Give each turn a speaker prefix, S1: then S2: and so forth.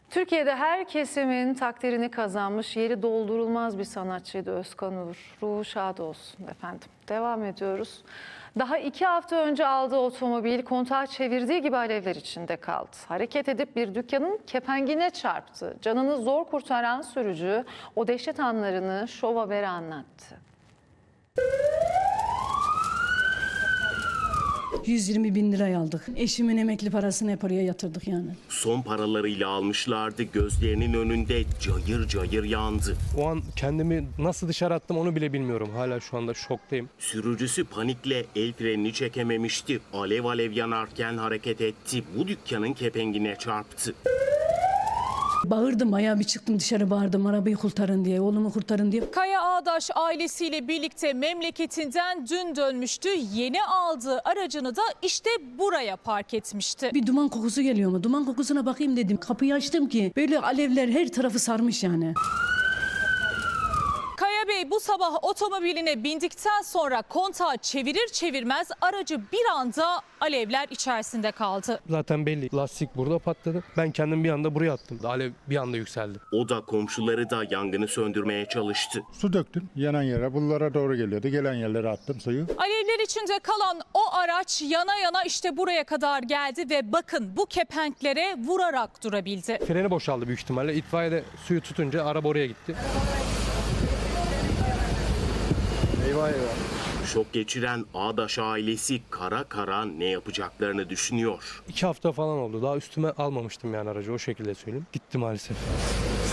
S1: Türkiye'de her kesimin takdirini kazanmış, yeri doldurulmaz bir sanatçıydı Özkan Uğur. Ruhu şad olsun efendim. Devam ediyoruz. Daha 2 hafta önce aldığı otomobil kontağı çevirdiği gibi alevler içinde kaldı. Hareket edip bir dükkanın kepengine çarptı. Canını zor kurtaran sürücü o dehşet anlarını Şov Haber'e anlattı.
S2: 120 bin liraya aldık. Eşimin emekli parasını hep oraya yatırdık yani.
S3: Son paralarıyla almışlardı, gözlerinin önünde cayır cayır yandı.
S4: O an kendimi nasıl dışarı attım onu bile bilmiyorum. Hala şu anda şoktayım.
S3: Sürücüsü panikle el frenini çekememişti. Alev alev yanarken hareket etti. Bu dükkanın kepengine çarptı.
S2: Bağırdım, ayağa bir çıktım dışarı bağırdım, arabayı kurtarın diye, oğlumu kurtarın diye.
S5: Kaya Ağdaş ailesiyle birlikte memleketinden dün dönmüştü. Yeni aldığı aracını da işte buraya park etmişti.
S2: Bir duman kokusu geliyor mu? Duman kokusuna bakayım dedim. Kapıyı açtım ki böyle alevler her tarafı sarmış yani.
S5: Kaya Bey bu sabah otomobiline bindikten sonra kontağı çevirir çevirmez aracı bir anda alevler içerisinde kaldı.
S4: Zaten belli. Lastik burada patladı. Ben kendim bir anda buraya attım. Alev bir anda yükseldi.
S3: O da komşuları da yangını söndürmeye çalıştı.
S6: Su döktüm yanan yere. Bunlara doğru geliyordu. Gelen yerlere attım suyu.
S5: Alevler içinde kalan o araç yana yana işte buraya kadar geldi ve bakın bu kepenklere vurarak durabildi.
S4: Freni boşaldı büyük ihtimalle. İtfaiye de suyu tutunca araba oraya gitti. Eyvah eyvah.
S3: Şok geçiren Ağdaş ailesi kara kara ne yapacaklarını düşünüyor.
S4: 2 hafta falan oldu. Daha üstüme almamıştım yani aracı, o şekilde söyleyeyim. Gitti maalesef.